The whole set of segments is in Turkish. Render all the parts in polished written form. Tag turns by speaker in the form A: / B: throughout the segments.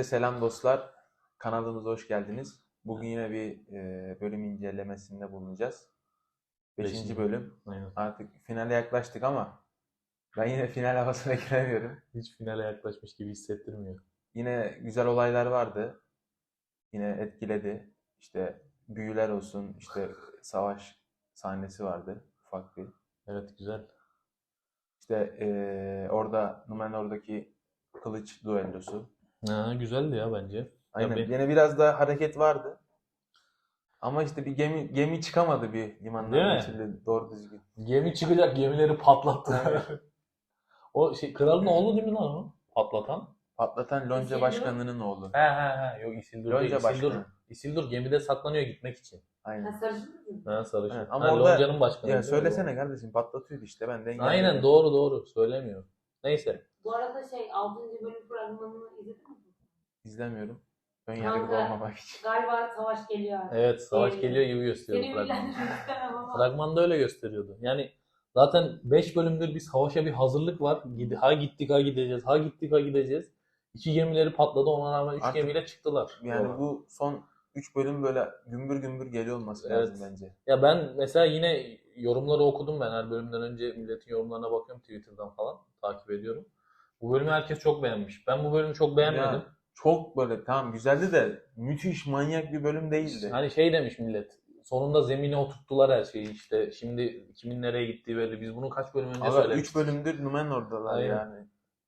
A: Herkese selam dostlar. Kanalımıza hoş geldiniz. Bugün yine bir bölüm incelemesinde bulunacağız. Beşinci bölüm.
B: Aynen.
A: Artık finale yaklaştık ama ben yine final havasına giremiyorum.
B: Hiç finale yaklaşmış gibi hissettirmiyor.
A: Yine güzel olaylar vardı. Yine etkiledi. İşte büyüler olsun, işte savaş sahnesi vardı. Ufak bir.
B: Evet, güzel.
A: İşte orada Numenor'daki kılıç düellosu.
B: Ha, güzeldi ya bence. Ya
A: Aynen.
B: ben,
A: Yine biraz daha hareket vardı. Ama işte bir gemi çıkamadı bir
B: değil
A: limandan
B: mi?
A: geçildi doğru düzgün.
B: Gemi çıkacak, gemileri patlattılar.
A: Aynen.
B: O kralın oğlu değil mi lan o? Patlatan.
A: Patlatan Lonca
C: Isildur.
A: Başkanı'nın oğlu.
B: He. Yok, Isildur değil.
A: Lonca
B: Isildur,
A: Başkanı.
B: Isildur gemide saklanıyor gitmek için.
A: Aynen.
C: Sarışın mı?
B: Ha, sarışın.
A: Evet,
B: Ha,
A: ama orada
B: Lonca'nın başkanı.
A: ya
B: değil mi?
A: söylesene kardeşim patlatıyordu işte ben de
B: Aynen,
A: engelledim.
B: doğru. Söylemiyor. Neyse.
C: Bu arada 6. bölüm fragmanını izledin mi?
A: İzlemiyorum. Ön yargılı
C: Kanka,
A: olmamak için.
C: Galiba savaş geliyor artık.
B: Evet, savaş
C: Geliyor.
B: geliyor gibi gösteriyor
C: Seni
B: fragman.
C: bilgilendirmek istemem ama.
B: Fragmanda öyle gösteriyordu. Yani zaten 5 bölümdür bir savaşa bir hazırlık var. Ha gittik ha gideceğiz. Ha gittik ha gideceğiz. 2 gemileri patladı, ona rağmen 3
A: Artık
B: gemiyle çıktılar.
A: Yani
B: yola.
A: bu son 3 bölüm böyle gümbür gümbür geliyor olması
B: Evet.
A: lazım bence.
B: Ya ben mesela yine yorumları okudum ben. Her bölümden önce milletin yorumlarına bakıyorum Twitter'dan falan. Takip ediyorum. Bu bölümü herkes çok beğenmiş. Ben bu bölümü çok beğenmedim.
A: Ya, çok böyle tamam güzeldi de müthiş manyak bir bölüm değildi.
B: Hani şey demiş millet. Sonunda zemine oturttular her şeyi işte. Şimdi kimin nereye gittiği belli. Biz bunu kaç bölüm önce
A: Ama
B: söylemiştik.
A: 3 bölümdür Numenor'dalar
B: Aynen.
A: yani.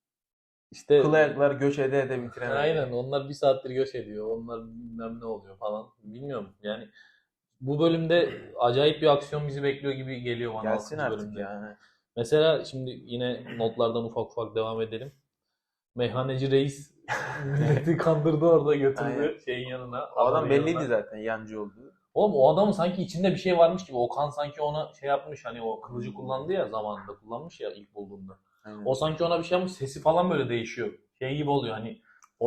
B: İşte
A: Kıl ayaklar göç ede bitiremedi.
B: aynen, onlar bir saattir göç ediyor. Onlar bilmem ne oluyor falan. Bilmiyorum yani. Bu bölümde acayip bir aksiyon bizi bekliyor gibi geliyor bana.
A: Gelsin
B: 6.
A: artık
B: bölümde.
A: yani.
B: Mesela şimdi yine notlardan ufak devam edelim. Meyhaneci reis milleti kandırdı orada, götürdü
A: Aynen.
B: şeyin yanına.
A: O adam
B: adamın
A: belliydi
B: yanına.
A: zaten yancı olduğu.
B: Oğlum o adamın sanki içinde bir şey varmış gibi. Okan sanki ona şey yapmış, hani o kılıcı kullandı ya, zamanında kullanmış ya ilk bulduğunda.
A: Aynen.
B: O sanki ona bir şey yapmış, sesi falan böyle değişiyor. Şey gibi oluyor hani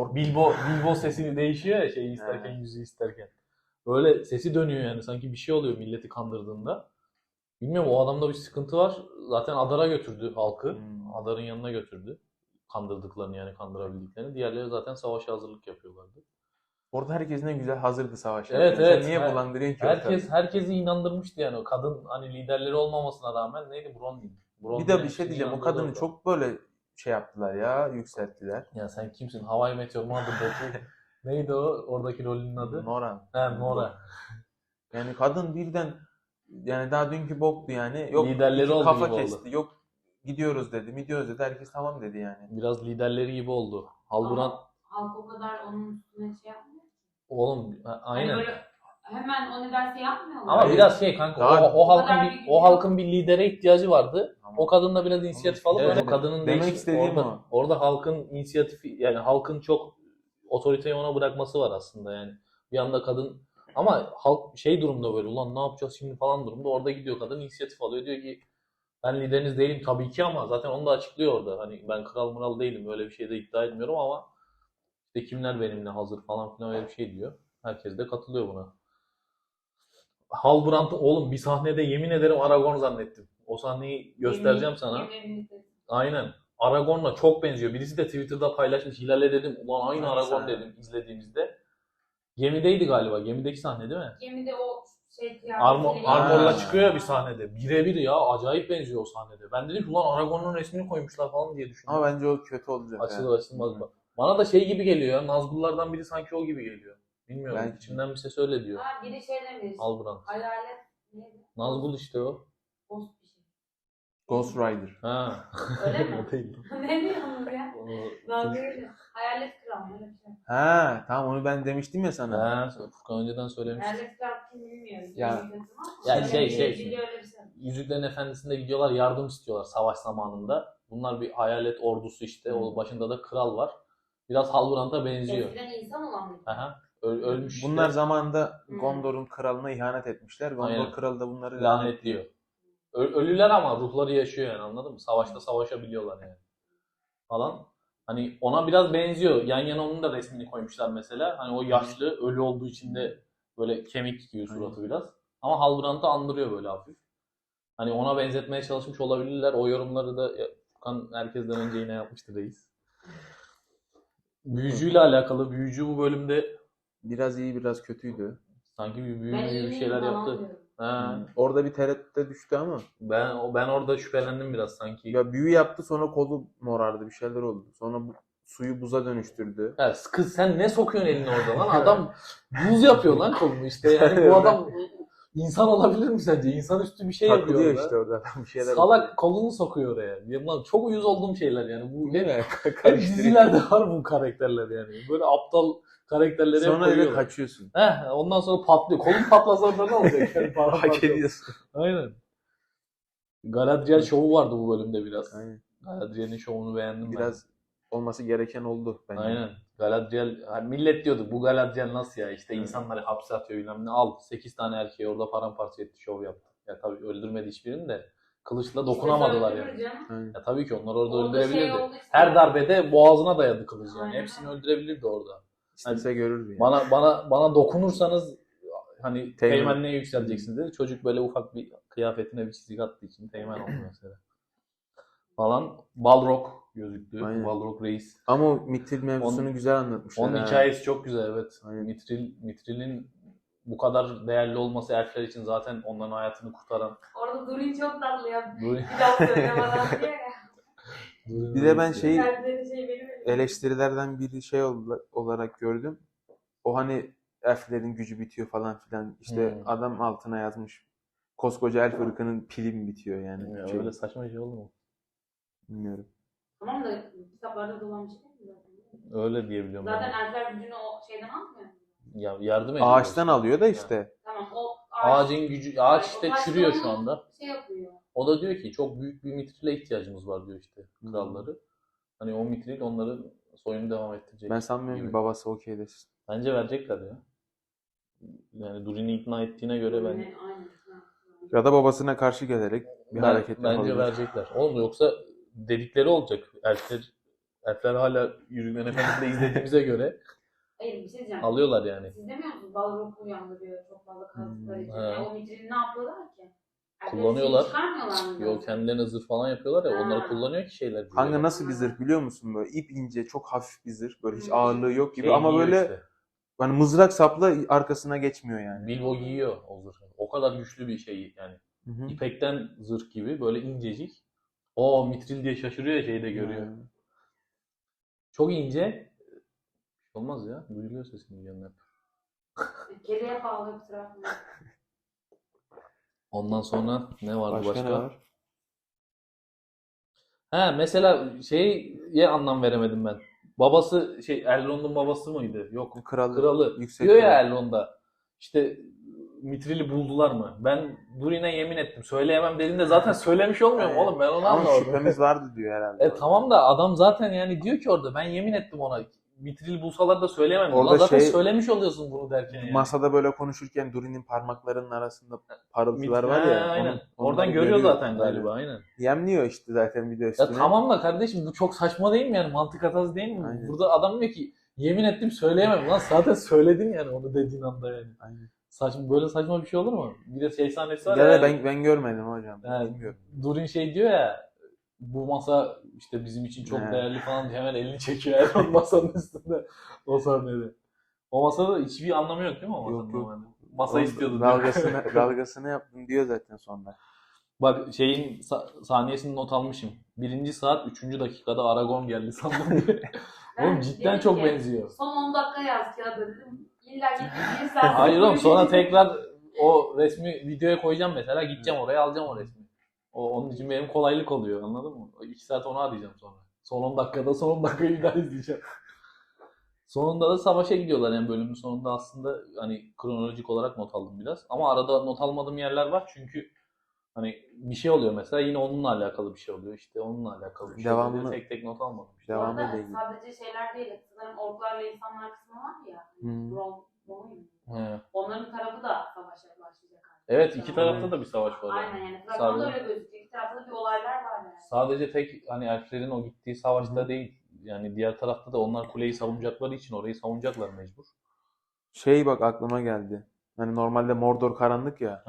B: Bilbo sesi değişiyor ya, şeyi isterken, yüzü isterken. Böyle sesi dönüyor yani, sanki bir şey oluyor milleti kandırdığında. Bilmiyorum, o adamda bir sıkıntı var. Zaten Adar'a götürdü halkı. Adar'ın yanına götürdü. Kandırdıklarını, yani kandırabildiklerini. Diğerleri zaten savaşa hazırlık yapıyorlardı.
A: Orada herkes ne güzel hazırdı savaşa.
B: Evet,
A: Sen
B: evet.
A: niye bulandırıyorsun ki ortalığı?
B: Herkesi inandırmıştı yani. O kadın hani liderleri olmamasına rağmen, neydi, Bronwyn.
A: Bir de bir şey diyeceğim. O kadını çok böyle şey yaptılar ya, yükselttiler.
B: Ya sen kimsin? Hawaii Meteor Mother'daki neydi o? Oradaki rolünün adı?
A: Nora.
B: He, Nora.
A: Yani kadın birden yani daha dünkü boktu yani. Yok
B: Liderleri
A: iki
B: oldu
A: kafa
B: gibi oldu.
A: kesti. Yok gidiyoruz dedi. Herkes tamam dedi yani.
B: Biraz liderleri gibi oldu. Halburan
C: Ama halk o kadar onun üstüne şey yapmıyor.
B: oğlum
C: Hani
B: aynen.
C: böyle hemen o ne derse yapmıyorlar.
B: Ama
A: Hayır.
B: biraz şey kanka,
A: Daha-
B: o halkın
C: kadar
B: bir
C: bir-
B: o halkın bir lidere ihtiyacı vardı.
A: Tamam.
B: O kadın da biraz inisiyatif alıp,
A: Evet,
B: öyle kadının
A: demek
B: değişik,
A: istediğim
B: orada,
A: o.
B: orada halkın inisiyatifi, yani halkın çok otoriteyi ona bırakması var aslında yani. Bir anda kadın, ama halk şey durumda, böyle ulan ne yapacağız şimdi falan durumda, orada gidiyor kadın, inisiyatif alıyor, diyor ki ben lideriniz değilim tabii ki, ama zaten onu da açıklıyor orada. Hani ben kral mural değilim, öyle bir şey de iddia etmiyorum, ama işte kimler benimle hazır falan filan, öyle bir şey diyor. Herkes de katılıyor buna. Halbrand'ı oğlum bir sahnede yemin ederim Aragorn zannettim. O sahneyi göstereceğim sana. Aynen. Aragorn'la çok benziyor. Birisi de Twitter'da paylaşmış. Hilal'e dedim, ulan aynı
A: Hangi
B: Aragorn
A: sahne?
B: dedim izlediğimizde. Gemideydi galiba. Gemideki sahne değil mi?
C: Gemide o
B: Armor'la
A: Ha.
B: çıkıyor ya bir sahnede. Birebir ya. Acayip benziyor o sahnede. Ben dedim ki ulan Aragorn'un resmini koymuşlar falan diye düşündüm.
A: Ama bence o kötü olacak.
B: Açılır açılmaz mı? Bana da şey gibi geliyor ya. Nazgullardan biri sanki o gibi geliyor. Bilmiyorum.
A: Belki.
B: İçimden bir ses öyle diyor.
C: Ha, biri şey demiş.
B: Halbrand.
C: Hayalet neydi?
B: Nazgul işte o.
C: Ghost bir şey.
A: Ghost Rider.
B: Ha.
C: Öyle mi?
B: O değil.
C: Ne diyorsunuz ya?
B: O-
C: Dalgayla. Hayalet kral öyle bir şey.
A: Ha tamam onu ben demiştim ya sana.
B: Ha, Furkan önceden söylemişti.
C: Hayalet kral kim bilmiyorum.
A: Ya-
B: Ya
C: Öyle
B: şey,
C: biri öyle bir şey.
B: Yüzüklerin Efendisi'nde gidiyorlar, yardım istiyorlar savaş zamanında. Bunlar bir hayalet ordusu işte. O başında da kral var. Biraz Halbrand'a benziyor.
C: Eskiden insan olan bir.
B: Aha. Ölmüş işte.
A: Bunlar zamanında
C: Hmm.
A: Gondor'un kralına ihanet etmişler. Gondor
B: Aynen.
A: kralı da bunları
B: lanetliyor. Ölüler ama ruhları yaşıyor yani, anladın mı? Savaşta savaşabiliyorlar yani. Falan. Hani ona biraz benziyor. Yan yana onun da resmini koymuşlar mesela. Hani o yaşlı, ölü olduğu için de böyle kemik gibi suratı biraz. Ama Halbrand'ı andırıyor böyle hafif. Hani ona benzetmeye çalışmış olabilirler. O yorumları da Furkan herkesten önce yine yapmıştı reis. Büyücüyle alakalı. Büyücü bu bölümde
A: Biraz iyi biraz kötüydü.
B: sanki bir
C: Ben
B: büyü gibi bir
C: iyiyim
B: şeyler
C: falan
B: yaptı.
C: diyorum.
B: Ha.
A: Orada bir tereddüte düştü ama.
B: Ben orada şüphelendim biraz sanki.
A: Ya büyü yaptı sonra kolu morardı bir şeyler oldu. Sonra suyu buza dönüştürdü.
B: Ya kız sen ne sokuyorsun elini orada lan? Adam buz yapıyor lan kolunu işte. Yani bu adam insan olabilir mi sence? İnsanüstü bir şey yapıyor
A: Takılıyor
B: orada.
A: işte orada bir şeyler.
B: Salak kolunu sokuyor oraya. Ya lan çok uyuz olduğum şeyler yani. Bu
A: Değil
B: hep,
A: mi?
B: hep
A: Karıştırıyor.
B: dizilerde var bu karakterler yani. Böyle aptal karakterleri hep
A: Sonra eve
B: koyuyorlar.
A: kaçıyorsun.
B: Ondan sonra patlıyor. Kolun patlasa orada ne olacak? Yani
A: Hak ediyorsun.
B: Aynen. Galadriel şovu vardı bu bölümde biraz.
A: Aynen.
B: Galadriel'in şovunu beğendim
A: Biraz olması gereken oldu
B: ben.
A: bence.
B: Aynen. Galadriel, hani millet diyordu bu Galadriel nasıl ya işte insanları hapse atıyor bilmem ne. Al 8 tane erkeği orada paramparça etti, şov yaptı. Ya tabii öldürmedi hiçbirini de kılıçla dokunamadılar
C: İşte
B: yani.
C: öldürür canım.
A: Aynen.
B: Ya tabii ki onlar orada
C: Orada şey
B: öldürebilirdi.
C: oldu işte.
B: Her darbede boğazına dayadı kılıç yani.
C: Aynen.
B: Hepsini öldürebilirdi orada.
A: İstese görürdü yani.
B: Bana dokunursanız hani
A: Teğmen.
B: teğmenliğe yükseleceksiniz dedi. Çocuk böyle ufak bir kıyafetine bir çizik attığı için teğmen oldu mesela. Falan Balrog gözüktü.
A: Aynen.
B: Balrog reis.
A: Ama o Mithril mevzusunu
B: Onun-
A: güzel anlatmışlar.
B: Onun
A: ha.
B: hikayesi çok güzel evet.
A: Aynen.
B: Mithril'in bu kadar değerli olması elfler için zaten onların hayatını kurtaran.
C: Orada Durin çok tatlı ya.
B: Durin-
C: Bir daha söylemeden diye ya.
A: Bir de ben şeyi
C: Kalpleri şey benim elimde.
A: eleştirilerden biri şey olarak gördüm. O hani elflerin gücü bitiyor falan filan. İşte adam altına yazmış. Koskoca elf ırkının pili mi bitiyor yani?
B: Ya
A: Şey,
B: öyle saçma bir şey olur mu?
A: bilmiyorum.
C: Tamam da kitaplarda dolan bir şey değil mi zaten?
B: Öyle diyebiliyorum
C: Zaten
B: ben.
C: elfler gücünü o şeyden almıyor.
B: Ya yardım ediyor.
A: Ağaçtan
B: işte.
A: alıyor da
B: Yani.
A: işte.
C: Tamam o
B: Ağacın gücü, ağaç işte
C: Ağaç
B: çürüyor
C: onu
B: şu anda.
C: Şey yapıyor.
B: O da diyor ki çok büyük bir mitrile ihtiyacımız var diyor işte kralları. Hani o mitril onların soyunu devam ettirecek.
A: Ben sanmıyorum
B: gibi.
A: ki babası okey desin.
B: Bence verecekler ya. Yani Durin'i ikna ettiğine göre ben
C: Aynen.
A: Ya da babasına karşı gelerek bir hareket
B: bence
A: yapabilir.
B: verecekler. Oğlum yoksa dedikleri olacak. Elfler hala Yüzüklerin Efendisi'nde izlediğimize göre
C: Hayır bir şey diyeceğim.
B: alıyorlar yani.
C: Siz demiyor musunuz? Balrog'u uyandırıyor çok fazla kazdıkları için.
B: He.
C: Yani o mitrini ne yapıyorlar ki?
B: Kullanıyorlar.
C: Çıkarmıyorlar mı?
B: Yok kendilerine zırh falan yapıyorlar ya
C: Ha.
B: onları kullanıyor ki şeyler.
A: Kanka nasıl bir zırh biliyor musun böyle ip ince çok hafif bir zırh böyle hiç
C: Hmm.
A: ağırlığı yok gibi
B: Şey
A: ama
B: giyiyor
A: böyle
B: işte.
A: hani mızrak sapla arkasına geçmiyor yani.
B: Bilbo giyiyor o zırhı. O kadar güçlü bir şey yani.
A: Hı hı.
B: İpekten zırh gibi böyle incecik. O mitril diye şaşırıyor ya şeyde görüyor. Çok ince. Olmaz ya. Duyuluyor sesini yanına.
C: Kediye pahalı bir tarafı.
B: Ondan sonra ne vardı başka?
A: Başka ne var?
B: He mesela şeye anlam veremedim ben. Babası Elrond'un babası mıydı? Yok. Kralı.
A: Yüksek
B: Diyor ya
A: kral.
B: Elrond'a. İşte Mitril'i buldular mı? Ben Durin'e yemin ettim. Söyleyemem dediğinde zaten söylemiş olmuyor mu oğlum? Ben onu
A: Ama
B: anlamadım.
A: şüphemiz vardı diyor herhalde.
B: Tamam da adam zaten yani diyor ki orada ben yemin ettim ona. Mitril'i bulsalar da söyleyemem.
A: Orada
B: Ulan zaten
A: şey-
B: söylemiş oluyorsun bunu derken yani.
A: Masada böyle konuşurken Durin'in parmaklarının arasında parıltılar var
B: He,
A: ya.
B: aynen.
A: onları
B: Oradan görüyor zaten galiba aynen.
A: Yemliyor işte zaten bir de
B: Ya
A: üstüne.
B: tamam da kardeşim bu çok saçma değil mi yani mantık hatası değil mi?
A: Aynen.
B: Burada adam diyor ki yemin ettim söyleyemem lan zaten söyledin yani onu dediğin anda yani.
A: Aynen.
B: Böyle saçma bir şey olur mu? Bir de şey sahnesi var
A: Ya
B: ya.
A: da ben görmedim hocam.
B: Yani
A: Bilmiyorum.
B: Durin şey diyor ya bu masa işte bizim için çok
A: He.
B: değerli falan diye hemen elini çekiyor Elrond masanın üstünde o sahnede. O masada hiçbir anlamı yok değil mi o masanın
A: Yok, yok.
B: normalde? Masa istiyordu.
A: Dalgasını yaptım diyor zaten sonra.
B: Bak şeyin saniyesini not almışım. 1. saat 3. dakikada Aragorn geldi sandım diye. Oğlum cidden
C: dedim
B: çok
C: ki,
B: benziyor.
C: Son 10 dakika yaz kağıda dedim. İlla git bir saat.
B: Hayır oğlum sonra tekrar o resmi videoya koyacağım mesela gideceğim oraya alacağım o resmi. Onun için benim kolaylık oluyor anladın mı? 2 saat onu arayacağım sonra. Son 10 dakikayı bir daha izleyeceğim. Sonunda da savaşa gidiyorlar yani bölümün sonunda aslında hani kronolojik olarak not aldım biraz. Ama arada not almadığım yerler var çünkü hani bir şey oluyor mesela yine onunla alakalı bir şey oluyor işte onunla alakalı bir şey
A: Devamını-
B: oluyor. Tek tek not almadım. İşte.
A: Devamı
C: Orada
A: ile ilgili.
C: sadece şeyler değil. Sanırım orklarla insanlar kısmı var ya.
A: Hmm.
C: Ron.
B: He.
C: Onların tarafı da savaşa başlayacak artık.
B: Evet iki tarafta da bir savaş var
C: Aynen
B: yani.
C: yani. Fragmanda
B: Sadece-
C: öyle gözüküyor. İki tarafta da bir olaylar var yani.
B: Sadece tek hani elflerin o gittiği savaşta değil. Yani diğer tarafta da onlar kuleyi savunacakları için orayı savunacaklar mecbur.
A: Bak aklıma geldi. Hani normalde Mordor karanlık ya.
B: Hı hı.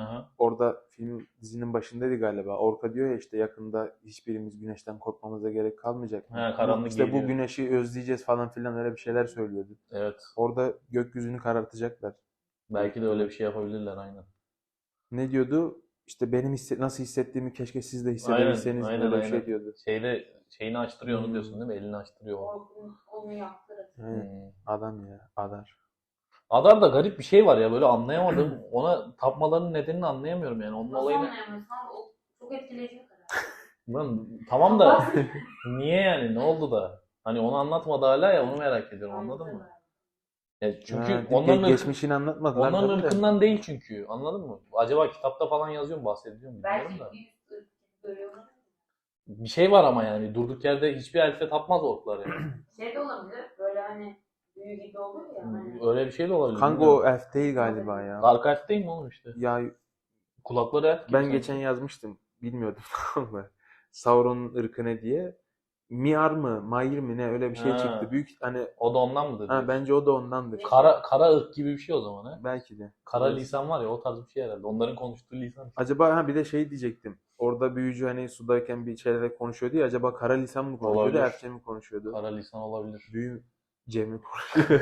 A: orada dizinin başındaydı galiba. Orka diyor ya işte yakında hiçbirimiz güneşten korkmamıza gerek kalmayacak.
B: He, karanlık
A: İşte
B: geliyor.
A: bu güneşi özleyeceğiz falan filan öyle bir şeyler söylüyordu.
B: Evet.
A: Orada gökyüzünü karartacaklar.
B: Belki de öyle bir şey yapabilirler aynen.
A: Ne diyordu? İşte benim nasıl hissettiğimi keşke siz de
B: Aynen,
A: hissedebilseniz
B: aynen,
A: öyle bir
B: aynen.
A: şey diyordu.
B: Şeyini açtırıyor onu diyorsun değil mi? Elini açtırıyor.
C: Onu yaptırır.
A: Aynen. Adam ya, Adar.
B: Adar'da garip bir şey var ya böyle anlayamadım. Ona tapmalarının nedenini anlayamıyorum yani. Onun
C: Nasıl
B: olayını.
C: anlayamıyorsun abi? O çok etkileyici bir karar.
B: Lan, tamam da niye yani? Ne oldu da? Hani onu anlatmadı hala ya onu merak ediyorum anladın mı? Ya çünkü
A: Ha,
B: onların
A: geçmişini anlatmadılar.
B: onların
A: tabii de.
B: ırkından değil çünkü. Anladın mı? Acaba kitapta falan yazıyor mu, bahsediyor mu bilmiyorum
C: Belki
B: da.
C: bir görüyorlar.
B: Bir şey var ama yani durduk yerde hiçbir elfe tapmaz orklar yani.
C: Şey de olabilir. Böyle hani büyü gibi olur ya. Hani.
B: Öyle bir şey de olabilir.
A: Kanka
B: bilmiyorum.
A: o elf değil galiba ya.
B: Dark Elf değil mi oğlum işte?
A: Ya
B: Kulakları elf gibi
A: ben
B: sanki.
A: geçen yazmıştım. Bilmiyordum mı? Sauron'un ırkı ne diye. Miar mı? Mair mi ne öyle bir şey
B: Ha.
A: çıktı. Büyük hani
B: O da ondan mıdır?
A: ha, bence o da ondandır.
B: Kara ırk gibi bir şey o zaman ha.
A: Belki de.
B: Kara
A: Evet.
B: lisan var ya o tarz bir şey herhalde. Onların konuştuğu lisan.
A: Acaba bir de şey diyecektim. Orada büyücü hani sudayken bir şeylerle konuşuyordu ya. Acaba kara lisan mı konuşuyordu,
B: Olabilir.
A: elfçe mi konuşuyordu?
B: Kara lisan olabilir.
A: Büyüce mi konuşuyordu?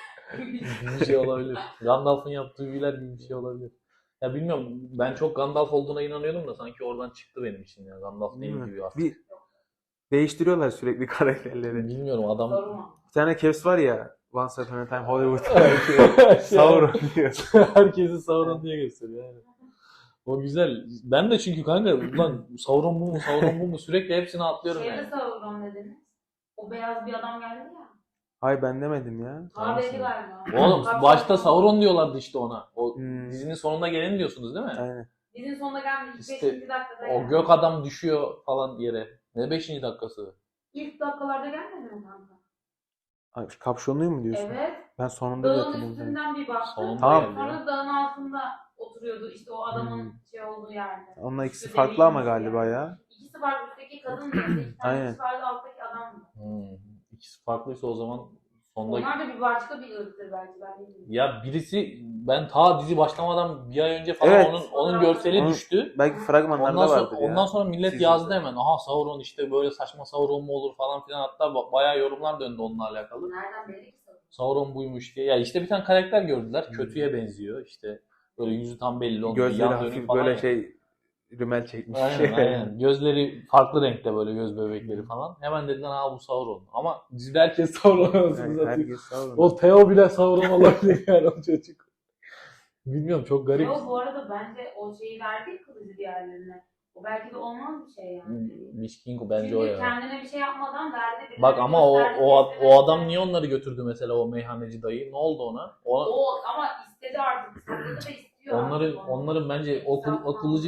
B: Bir şey olabilir. Gandalf'ın yaptığı büyüler gibi bir şey olabilir. Ya bilmiyorum ben çok Gandalf olduğuna inanıyordum da sanki oradan çıktı benim için ya. Gandalf değil
A: Değil mi?
B: gibi artık.
A: Bir değiştiriyorlar sürekli karakterleri.
B: Bilmiyorum adam.
C: Sorma.
A: Bir tane Kevs var ya. Once Upon a Time Hollywood. Sauron diyor.
B: Herkesi Sauron diye gösteriyor yani. O güzel. Ben de çünkü kanka ulan Sauron bu mu Sauron bu mu sürekli hepsini atlıyorum
C: Şeyde
B: yani.
C: Sauron dediniz. O beyaz bir adam geldi ya.
A: Hayır ben demedim ya.
C: Kahveci galiba.
B: Oğlum başta Sauron diyorlardı işte ona. O
A: Hmm.
B: dizinin sonunda geleni diyorsunuz değil mi?
A: Aynen.
C: Dizinin sonunda gelmiş.
B: İşte
C: 5. dakikada
B: O
C: geldi.
B: gök adam düşüyor falan yere. Ne 5. dakikası?
C: İlk dakikalarda gelmedi mi kanka?
A: Ay, kapşonluyu mu diyorsun?
C: Evet.
A: Ben sonunda da
C: Dağın
A: hatırladım.
C: üstünden bir baktı.
B: Sonunda
A: Tamam.
B: geldi ya.
C: Sonra dağın altında oturuyordu. İşte o adamın
A: Hmm.
C: şey olduğu yerde.
A: Onlar ikisi
C: Üstü
A: farklı ama
C: deliymiş
A: galiba
C: yani.
A: ya.
C: İkisi var üstteki kadın da. İki tane
A: Aynen.
C: kişi vardı alttaki adam da.
B: İkisi farklıysa o zaman sonda...
C: Onlar da bir başka bir ırktır belki ben bilmiyorum.
B: Ya birisi ben ta dizi başlamadan bir ay önce falan
A: Evet.
B: onun görseli
A: Onun-
B: düştü.
A: Belki fragmanlarda
B: Ondan sonra,
A: vardır ya.
B: ondan sonra millet
A: Sizin
B: yazdı
A: de.
B: hemen. Aha Sauron işte böyle saçma Sauron mu olur falan filan. Hatta bayağı yorumlar döndü onunla alakalı.
C: Nereden belli ki Sauron?
B: Sauron buymuş diye. Ya işte bir tane karakter gördüler.
A: Hmm.
B: Kötüye benziyor. İşte böyle yüzü tam belli olmuyor.
A: Gözleri
B: Yan dönük
A: hafif
B: falan
A: böyle
B: ya.
A: şey rümel çekmiş.
B: Aynen aynen. Gözleri farklı renkte böyle göz bebekleri falan. Hemen dediler ha bu Sauron. Ama dizide herkes Sauron anasını
A: Yani
B: satayım.
A: herkes Sauron.
B: O Theo bile Sauron olabilir yani o çocuk. Bilmiyorum çok garip.
C: Yo bu arada bence o şeyi verdi kılıcı diğerlerine. O belki de olmaz bir şey yani.
B: Lich King bence
C: Çünkü
B: o ya.
C: kendine bir şey yapmadan verdi. birilerine
B: Bak ama
C: gösterdi,
B: o
C: gösterdi.
B: adam niye onları götürdü mesela o meyhaneci dayı? Ne oldu ona?
C: O ama istedi artık. Sakladı ve istiyor artık onu.
B: Onların bence o
C: Sapma.
B: kılıcı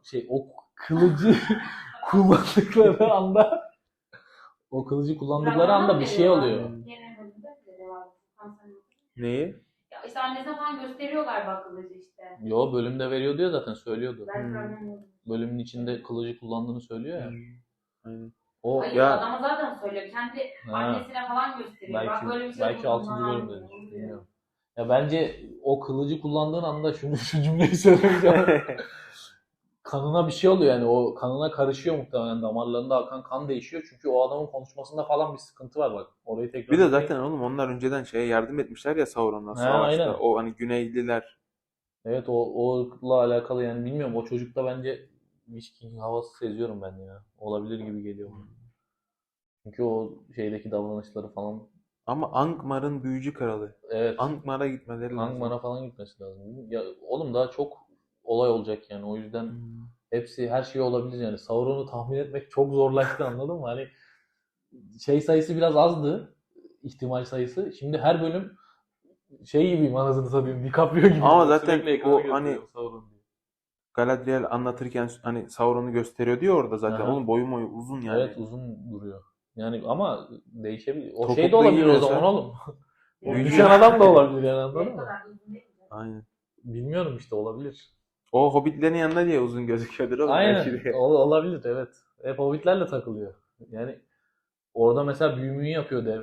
B: kılıcı kullandıkları anda o kılıcı kullandıkları anda bir şey oluyor.
C: Yine bölümde de devam.
A: Neyi?
C: Ya işte annesine falan gösteriyorlar bak kılıcı işte.
B: Yo bölümde veriyor diyor zaten söylüyordu.
C: Ben
A: Hmm.
C: fragmanı
B: Bölümün içinde kılıcı kullandığını söylüyor ya.
A: Aynen.
B: O
C: Hayır
A: Ya-
C: adama zaten söylüyor. Kendi annesine falan gösteriyor.
B: belki
C: bak böyle bir şey
B: belki
C: oldu,
B: 6.
C: bundan
B: bölümde
C: almıyor, onu diyor.
B: bilmiyorum. Ya bence o kılıcı kullandığın anda şu cümleyi söylemeyeceğim. Kanına bir şey oluyor yani o kanına karışıyor muhtemelen damarlarında akan kan değişiyor çünkü o adamın konuşmasında falan bir sıkıntı var bak orayı tekrar
A: Bir de zaten oğlum onlar önceden şeye yardım etmişler ya Sauron'a savaşta.
B: aynen.
A: O hani Güneyliler.
B: evet o ırkla alakalı yani bilmiyorum o çocukta bence Witch King havası seziyorum ben ya olabilir gibi geliyor bana. Çünkü o şeydeki davranışları falan
A: Ama Angmar'ın büyücü kralı.
B: evet
A: Angmar'a gitmeleri lazım.
B: Angmar'a falan gitmesi lazım. Ya oğlum daha çok olay olacak yani o yüzden
A: Hmm.
B: hepsi her şey olabilir yani. Sauron'u tahmin etmek çok zorlaştı anladın mı? Hani şey sayısı biraz azdı. İhtimal sayısı. Şimdi her bölüm şey gibiyim anasını satayım. DiCaprio gibi.
A: Ama zaten
B: Sürekli ekrana
A: o
B: gösteriyor
A: hani
B: Sauron diye.
A: Galadriel anlatırken hani Sauron'u gösteriyor diyor orada zaten.
B: Aha.
A: Oğlum boyu uzun yani.
B: Evet uzun duruyor. Yani ama değişebilir. O
A: Topuklu
B: şey de olabilir o
A: giyiyorsa-
B: zaman oğlum. O
A: Büyücü.
B: düşen adam da olabilir yani anladın
C: Ne
B: mı?
C: kadar uzun değil mi?
A: Aynen.
B: Bilmiyorum işte olabilir.
A: O hobbitlerin yanında diye uzun gözüküyordur oğlum belki
B: Aynen
A: de.
B: olabilir evet. Hep hobbitlerle takılıyor. Yani orada mesela büyümüyü yapıyor dev.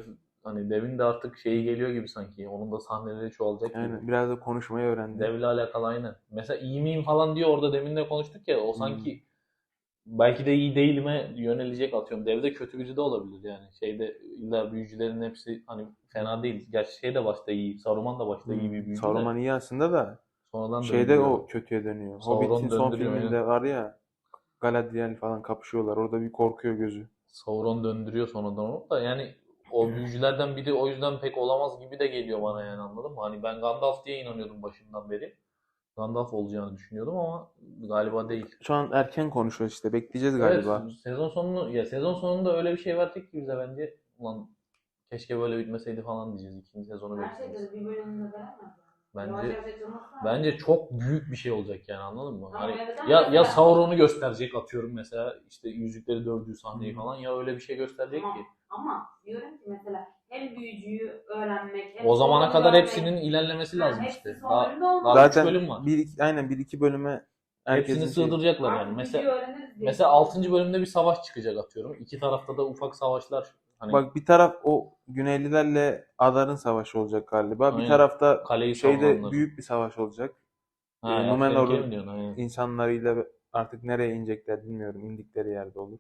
B: hani Dev'in de artık şeyi geliyor gibi sanki. Onun da sahneleri çoğalacak gibi.
A: Yani biraz da konuşmayı öğrendi.
B: Dev'le alakalı aynı. Mesela iyi miyim falan diyor orada demin de konuştuk ya. O sanki belki de iyi değilime yönelecek atıyorum. Dev'de kötü biri de olabilir yani. Şeyde illa büyücülerin hepsi hani fena değil. Gerçi şey de başta iyi. Saruman da başta iyi bir büyücü de.
A: Saruman iyi aslında da
B: Sonradan
A: şeyde
B: döndürüyor.
A: o kötüye dönüyor.
B: Sauron
A: Hobbit'in son
B: döndürüyor,
A: filminde var ya, Galadriel falan kapışıyorlar. Orada bir korkuyor gözü.
B: Sauron döndürüyor sonradan onu da yani o büyücülerden biri o yüzden pek olamaz gibi de geliyor bana yani anladın mı? Hani ben Gandalf diye inanıyordum başından beri. Gandalf olacağını düşünüyordum ama galiba değil.
A: Şu an erken konuşuyoruz işte. Bekleyeceğiz
B: Evet,
A: galiba.
B: sezon sonunda öyle bir şey verecek ki bize bence. Ulan keşke böyle bitmeseydi falan diyeceğiz. İkinci sezonu
C: Her şeyde
B: bekleyeceğiz.
C: de bir bölümünde veremez.
B: Bence
C: Yavaş açılması lazım.
B: bence çok büyük bir şey olacak yani anladın mı?
C: Ama
B: Hani
C: evet, ama
B: ya
C: mesela-
B: Sauron'u gösterecek atıyorum mesela işte yüzükleri dövdüğü sahneyi falan ya öyle bir şey gösterecek
C: Tamam.
B: ki.
C: Ama diyorum ki mesela hem büyücüyü öğrenmek hem
B: O zamana
C: Sauron'u
B: kadar
C: görmek-
B: hepsinin ilerlemesi lazım
C: hepsi
B: işte.
C: son
B: Daha,
C: bölümde olmaz.
B: daha üç
A: Zaten
B: bölüm var.
A: aynen 1-2 bölüme herkesin
B: Hepsini sığdıracaklar yani.
C: Artık
B: Mesela
C: büyücüyü öğreniriz diye
B: mesela
C: düşünüyorum.
B: 6. bölümde bir savaş çıkacak atıyorum. İki tarafta da ufak savaşlar. Hani
A: Bak bir taraf o Güneylilerle Adar'ın savaşı olacak galiba. Bir
B: Aynen.
A: tarafta
B: Kaleyi
A: şeyde
B: savunanlar.
A: büyük bir savaş olacak.
B: Ha,
A: Numenor'un
B: Elf'lerinki mi diyorsun? Aynen.
A: insanlarıyla artık nereye inecekler bilmiyorum. İndikleri yerde olur.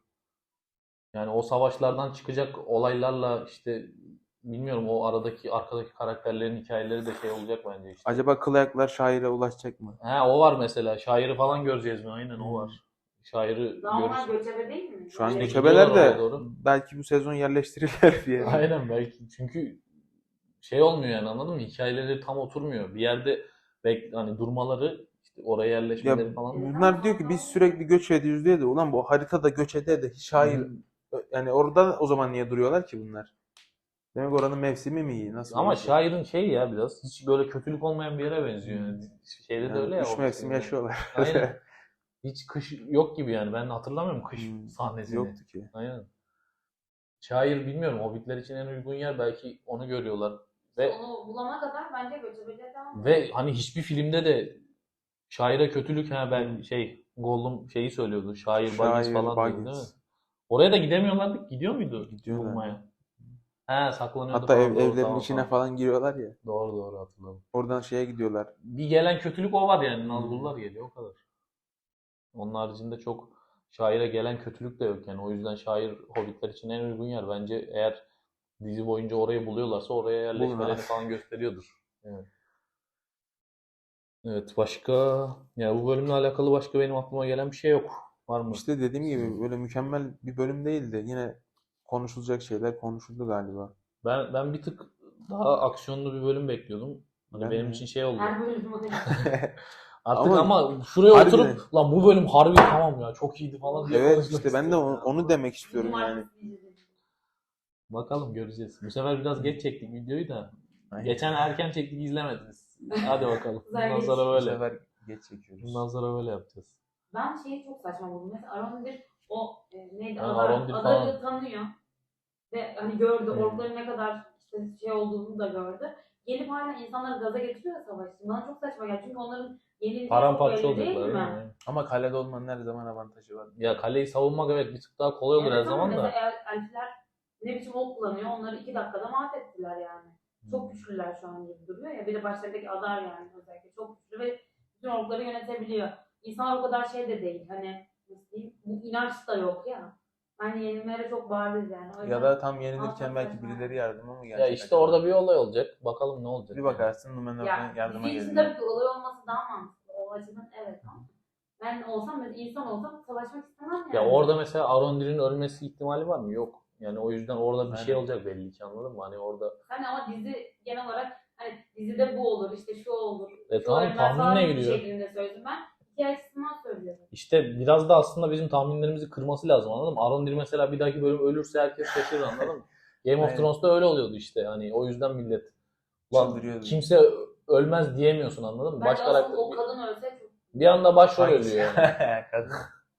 B: Yani o savaşlardan çıkacak olaylarla işte bilmiyorum o arkadaki karakterlerin hikayeleri de şey olacak bence işte.
A: Acaba kıl ayaklar şaire ulaşacak mı?
B: Ha o var mesela. Şairi falan göreceğiz mi? Aynen o var. Şairi
C: Daha onlar
B: görürüz.
C: göçebe değil mi?
A: Şu an
B: İşte
A: göçebeler
B: gidiyorlar oraya
A: de
B: doğru.
A: belki bu sezon yerleştirirler diye.
B: Aynen belki. Çünkü şey olmuyor yani anladın mı? Hikayeleri tam oturmuyor. Bir yerde hani durmaları, işte oraya
A: Ya
B: yerleşmeleri falan.
A: bunlar diyor ki biz sürekli göç ediyoruz diye de ulan bu haritada göç ede de şair yani orada o zaman niye duruyorlar ki bunlar? Demek oranın mevsimi mi iyi? Nasıl
B: Ama
A: bir şey?
B: şairin şey ya biraz hiç böyle kötülük olmayan bir yere benziyor. Yani şeyde de
A: Yani
B: öyle ya.
A: 3 mevsim yaşıyorlar.
B: Aynen. Hiç kış yok gibi yani. Ben hatırlamıyorum kış sahnesini.
A: Yoktu ki.
B: Aynen. Şair bilmiyorum. Hobbitler için en uygun yer belki onu görüyorlar. Ve
C: Onu bulana kadar bence göçebeler devam
B: hani hiçbir filmde de şaire kötülük ben Gollum şeyi söylüyordu. Şair Baggins falan diyordu değil mi?
A: Baggins.
B: Oraya da gidemiyorlardı. Gidiyor muydu?
A: Gidiyorlar.
B: Bulmaya. He saklanıyordu
A: Hatta
B: falan. Doğru,
A: evlerin
B: tamam,
A: içine
B: tamam.
A: falan giriyorlar ya.
B: Doğru hatırladım.
A: Oradan şeye gidiyorlar.
B: Bir gelen kötülük o var yani. Nazgullar geliyor o kadar. Onun haricinde çok şaire gelen kötülük de yok yani. O yüzden şair Hobbitler için en uygun yer. Bence eğer dizi boyunca orayı buluyorlarsa oraya yerleşmelerini
A: Bulun.
B: falan gösteriyordur. Evet. Evet başka ya bu bölümle alakalı başka benim aklıma gelen bir şey yok. Var mı?
A: İşte dediğim gibi böyle mükemmel bir bölüm değildi. Yine konuşulacak şeyler konuşuldu galiba.
B: Ben bir tık daha aksiyonlu bir bölüm bekliyordum. Hani
A: Ben
B: benim
A: de.
B: için şey oldu.
C: Her bölüm o
B: Artık
A: Ama
B: ama şuraya
A: harbiden.
B: oturup lan bu bölüm harbi tamam ya çok iyiydi falan diye
A: Evet
B: konuşmak
A: işte ben de
B: istiyorum.
A: onu demek istiyorum yani.
C: Cumartesi izledim.
B: Bakalım göreceğiz. Bu sefer biraz geç çektik videoyu da.
A: Aynen.
B: Geçen erken çektik izlemediniz. Hadi bakalım.
C: Güzel
B: Bundan
C: geç.
B: sonra
A: Bu
B: böyle.
A: sefer geç çekiyoruz.
B: Bundan sonra böyle yapacağız.
C: Ben şeyi çok saçma buldum. Mesela Arondir o neydi?
B: Ha,
C: Adar,
B: Arondir
C: Adar'ı
B: falan.
C: tanıyor. Ve hani gördü.
A: Hmm.
C: Orkların ne kadar işte şey olduğunu da gördü. Gelip hala insanları gaza getiriyor ya savaş için. Bana çok saçma geldi. Çünkü onların yenildiği
B: Paramparça
C: çok belli değil
B: olacaklar değil
C: mi?
B: mi?
A: Ama kalede olmanın her zaman avantajı var.
B: Ya kaleyi savunmak evet bir tık daha kolay olur her
C: Evet ama
B: zaman da.
C: mesela elfler ne biçim ok kullanıyor. Onları 2 dakikada mahvettiler yani. Çok güçlüler şu an gibi duruyor ya. Bir de başlarındaki Adar yani özellikle çok güçlü ve bütün orkları yönetebiliyor. İnsanlar o kadar şey de değil. Hani nasıl diyeyim? Bu inanç da yok ya. Hani yenilmelere çok bariz yani. O
A: Ya
C: yüzden
A: da tam yenilirken
C: Alsak
A: belki
C: saçma.
A: birileri yardıma mı gelecek?
B: Ya işte
A: acaba?
B: orada bir olay olacak. Bakalım ne olacak.
A: Bir
B: yani.
A: bakarsın Numenor'dan
C: ya
A: yardıma
C: dizi için
A: geliyor.
C: tabii ki olay olması daha mantıklı. O açıdan evet ama ben olsam mesela insan olsam savaşmak istemem yani.
B: Ya orada mesela Arondir'in ölmesi ihtimali var mı? Yok. Yani o yüzden orada bir şey
A: Aynen.
B: olacak belli ki anladın mı? Hani orada
C: Hani ama dizi genel olarak hani dizide bu olur işte şu olur. Şu
B: tamam,
C: ölmez
B: tahminine
C: falan bir
B: giriyor.
C: şeklinde söyledim ben. Hikaye açısından söylüyorum.
B: İşte biraz da aslında bizim tahminlerimizi kırması lazım anladın mı? Arondir mesela bir dahaki bölüm ölürse herkes şaşırır anladın mı? Game of
A: Aynen.
B: Thrones'ta öyle oluyordu işte. Hani o yüzden millet lan
A: Çıldırıyordu.
B: kimse ölmez diyemiyorsun anladın mı?
C: Bence
B: Baş
C: asıl o
B: karakter
C: kadın ölse çok...
B: bir anda başrol
A: Hangisi?
B: ölüyor yani.
A: Kadın.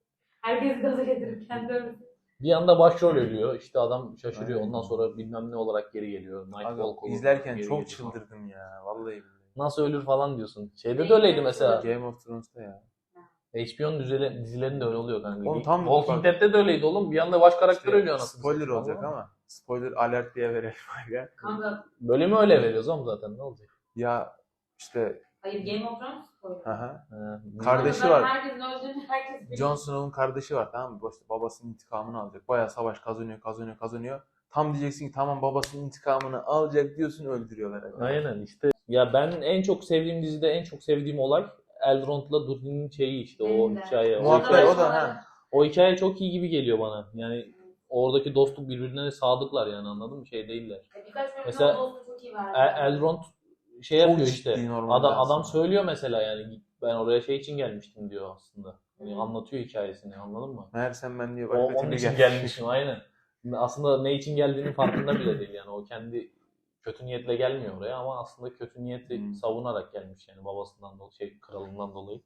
C: Herkes gaza getirip kendi ölmesi.
B: Bir anda başrol ölüyor. İşte adam şaşırıyor.
A: Aynen.
B: Ondan sonra bilmem ne olarak geri geliyor.
A: Abi,
B: Nightwalk olur.
A: izlerken
B: geri
A: çok
B: geliyor falan.
A: çıldırdım ya. Vallahi billahi.
B: Nasıl ölür falan diyorsun. Şeyde de öyleydi mesela.
A: Game of Thrones'ta ya.
B: HBO'nun dizilerinde öyle oluyor kanka.
A: Oğlum tam
B: Walking
A: bak-
B: Dead'de de öyleydi oğlum. Bir anda baş karakter
A: İşte
B: ölüyor anasını
A: spoiler
B: satayım,
A: olacak
B: anladın mı?
A: ama spoiler alert diye verelim aga.
C: Kanka
B: Bölümü öyle veriyoruz oğlum zaten, ne olacak?
A: Ya işte
C: hayır, Game of Thrones spoiler.
A: aha.
B: He,
A: Kardeşi
C: Zaten
A: var.
C: Herkesin öldüğünü herkes biliyor.
A: Jon Snow'un kardeşi var, tamam mı? İşte babasının intikamını alacak. Bayağı savaş kazanıyor. Tam diyeceksin ki tamam babasının intikamını alacak diyorsun, öldürüyorlar. Aga.
B: Aynen işte. Ya ben en çok sevdiğim dizide en çok sevdiğim olay Elrond'la Durin'in şeyi işte, o
C: Benim de.
B: hikaye.
A: Muhakkak o da ha.
B: O hikaye çok iyi gibi geliyor bana. Yani oradaki dostluk, birbirlerine sadıklar yani, anladın mı? Şey değiller.
C: Birkaç bölümde
B: Mesela
C: o dostu çok iyi verdi.
B: Elrond şey
A: Çok
B: yapıyor
A: ciddi
B: işte.
A: normalde
B: Adam
A: aslında.
B: söylüyor mesela, yani ben oraya şey için gelmiştim diyor aslında. Yani
C: Hı.
B: anlatıyor hikayesini, anladın mı?
A: Meğersem ben diyor
B: O,
A: başka
B: onun
A: türlü
B: için gelmişim aynen. Aslında ne için geldiğinin farkında bile değil yani. O kendi kötü niyetle gelmiyor oraya ama aslında kötü niyeti
A: Hmm.
B: savunarak gelmiş yani, babasından dolayı, kralından dolayı.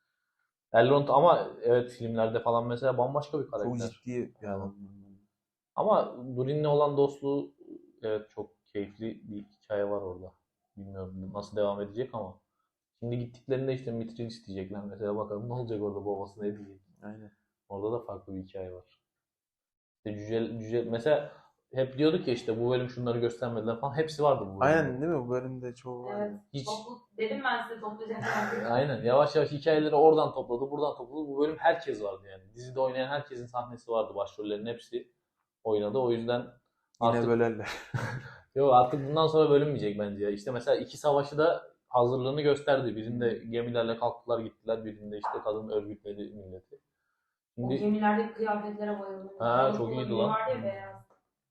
B: Elrond ama evet filmlerde falan mesela bambaşka bir
A: Çok
B: karakter.
A: ciddi bir adam.
B: Ama Durin'le olan dostluğu evet çok keyifli bir hikaye var orada. Bilmiyorum nasıl devam edecek ama. Şimdi gittiklerinde işte Mithril isteyecekler mesela, bakalım ne olacak orada, babası ne diyecek.
A: Aynen.
B: Orada da farklı bir hikaye var. İşte cüce mesela hep diyorduk ya işte bu bölüm şunları göstermediler falan, hepsi vardı bu bölümde.
A: Aynen değil mi? Bu bölümde çoğu var.
C: Evet.
B: Hiç
C: Dedim ben size toplayacaklar.
B: aynen yavaş yavaş hikayeleri oradan topladı, buradan topladı. Bu bölüm herkes vardı yani. Dizide oynayan herkesin sahnesi vardı. Başrollerin hepsi oynadı. O yüzden
A: Yine
B: artık
A: bölerler.
B: yok, artık bundan sonra bölünmeyecek bence ya. İşte mesela iki savaşı da hazırlığını gösterdi. Birinde gemilerle kalktılar gittiler. Birinde işte kadın örgütledi milleti.
C: O
B: Şimdi
C: gemilerdeki kıyafetlere bayıldım.
B: Ha,
C: O
B: çok iyiydi
C: gemi
B: lan.
C: vardı ya, beyaz.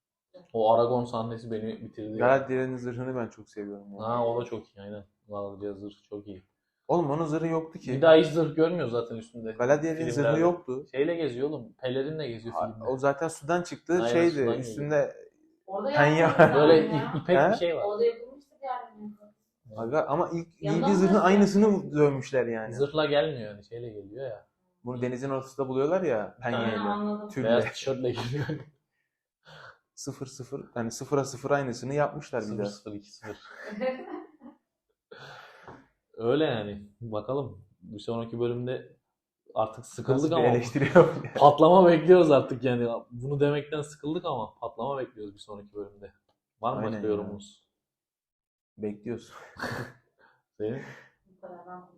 B: o Aragon sahnesi beni bitirdi.
A: Galadriel'in zırhını ben çok seviyorum. Yani.
B: Ha, o da çok iyi aynen. Galadriel zırh çok iyi.
A: Oğlum onun zırhı yoktu ki.
B: Bir daha hiç zırh görmüyoruz zaten üstünde.
A: Galadriel'in
B: Filmlerde.
A: zırhı yoktu.
B: Şeyle geziyor oğlum. Pelerinle geziyor filmde.
A: O zaten sudan çıktı.
B: Aynen,
A: Şeydi
B: sudan
A: üstünde
C: Orada
A: Penye
C: yapılmıştı
A: var.
B: Böyle
C: yani ya.
B: ipek
A: He?
B: bir şey var.
C: Orada yapılmıştı yani.
A: aga, ama ilk
C: Yandan
A: giydiği zırhın
C: nasıl
A: aynısını dövmüşler yani.
B: Zırhla gelmiyor yani, şeyle geliyor ya.
A: Bunu denizin ortasında buluyorlar ya
C: Aynen,
A: penyeyle.
C: anladım.
A: Tülle.
B: Beyaz tişörtle geliyor.
A: 0-0 yani 0'a 0 aynısını yapmışlar bir daha.
B: 0-0-2-0. Öyle yani. Bakalım. Bir sonraki bölümde artık sıkıldık
A: Nasıl bir
B: ama
A: eleştiri yapıyor?
B: patlama bekliyoruz artık yani. Bunu demekten sıkıldık ama patlama bekliyoruz bir sonraki bölümde. Var mı
A: Aynen
B: başka
A: ya.
B: yorumunuz?
A: Bekliyoruz.
B: Senin?
C: Bu kadar, ben konuştum.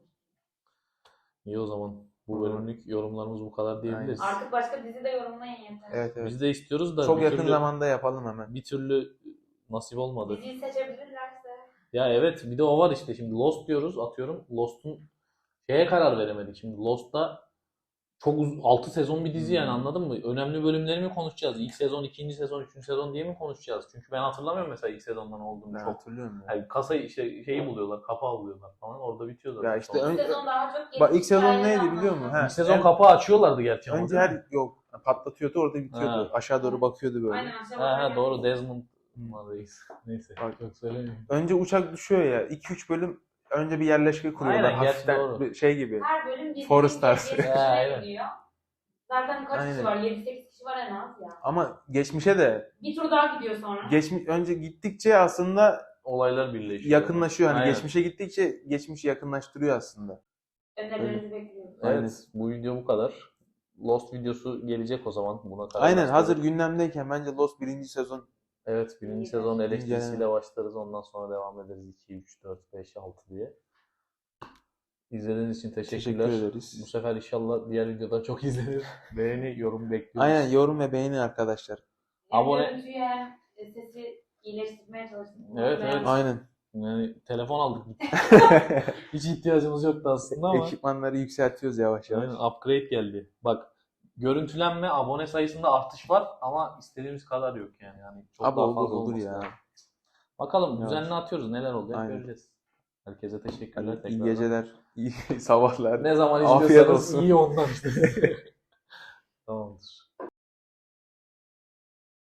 B: İyi o zaman. Bu
A: Olur.
B: bölümlük yorumlarımız bu kadar diyebiliriz.
C: Artık başka dizi de yorumlayın yeter.
A: Evet evet.
B: Biz de istiyoruz da
A: Çok
B: bir
A: yakın
B: türlü,
A: zamanda yapalım hemen.
B: bir türlü nasip olmadı.
C: Diziyi seçebilirlerse.
B: Ya evet, bir de o var işte, şimdi Lost diyoruz, atıyorum. Lost'un şeye karar veremedik. Şimdi Lost'ta çok 6 sezon bir dizi yani, anladın mı? Önemli bölümleri mi konuşacağız? İlk sezon, ikinci sezon, üçüncü sezon diye mi konuşacağız? Çünkü ben hatırlamıyorum mesela ilk sezondan olduğunu
A: Ben
B: çok.
A: hatırlıyorum ya.
B: Yani kasayı işte şeyi buluyorlar, kapağı buluyorlar falan, orada bitiyor zaten.
A: Ya işte
B: Sonra.
C: İlk sezon daha çok
A: Bak ilk sezon
C: hikayeler
A: neydi
C: anlatıyor.
A: biliyor musun? Ha,
B: İlk sezon
A: en-
B: kapağı açıyorlardı gerçi ama.
A: Önce
B: değil mi?
A: her yok patlatıyordu orada bitiyordu.
B: Ha.
A: Aşağı doğru bakıyordu böyle.
C: Aynen, aşağı
B: Ha,
C: bakarken-
B: doğru, Desmond numarayız. Neyse.
A: Bak.
B: Çok söylemiyorum.
A: Önce uçak düşüyor ya. 2-3 bölüm önce bir yerleşke kuruyorlar.
B: Aynen, gerçi
A: Hafiften
B: doğru.
A: bir şey gibi.
C: Her bölüm bir
A: Forest Stars.
B: Aynen.
C: gidiyor. Zaten kaç
A: Aynen.
C: kişi var? 7-8 kişi var en az ya.
A: Ama geçmişe de
C: Bir tur daha gidiyor sonra.
A: önce gittikçe aslında
B: Olaylar birleşiyor.
A: yakınlaşıyor. Hani
B: Aynen.
A: geçmişe gittikçe geçmişi yakınlaştırıyor aslında.
C: Önerilerinizi bekliyoruz.
B: Evet,
A: Aynen.
B: bu video bu kadar. Lost videosu gelecek o zaman. Buna karar
A: Aynen
B: başladık.
A: hazır gündemdeyken bence Lost 1. sezon
B: Evet, birinci
C: İyi,
B: sezon
C: evet.
B: eleştirisiyle başlarız. Ondan sonra devam ederiz 2, 3, 4, 5, 6 diye. İzlediğiniz için teşekkürler.
A: teşekkür ederiz.
B: Bu sefer inşallah diğer videoda çok izlenir. Beğeni, yorum bekliyoruz.
A: Aynen yorum ve beğeni arkadaşlar.
C: Abone.
B: Abone-
C: Görüntüyü hem sesi iyileştirmeye çalıştık.
B: Evet, evet.
A: Aynen.
B: Yani telefon aldık. Hiç ihtiyacımız yoktu aslında ama.
A: Ekipmanları yükseltiyoruz yavaş yavaş.
B: Aynen, upgrade geldi. Bak, görüntülenme, abone sayısında artış var ama istediğimiz kadar yok yani. Çok
A: Abi
B: daha
A: olur
B: fazla
A: olur
B: olması
A: ya.
B: lazım. Bakalım
A: Evet.
B: düzenli atıyoruz. Neler olacak
A: Aynen.
B: göreceğiz. Herkese teşekkürler
A: Hadi, iyi
B: tekrar.
A: geceler, iyi sabahlar.
B: Ne zaman
A: Afiyet
B: izliyorsanız
A: olsun.
B: iyi ondan işte. Tamamdır.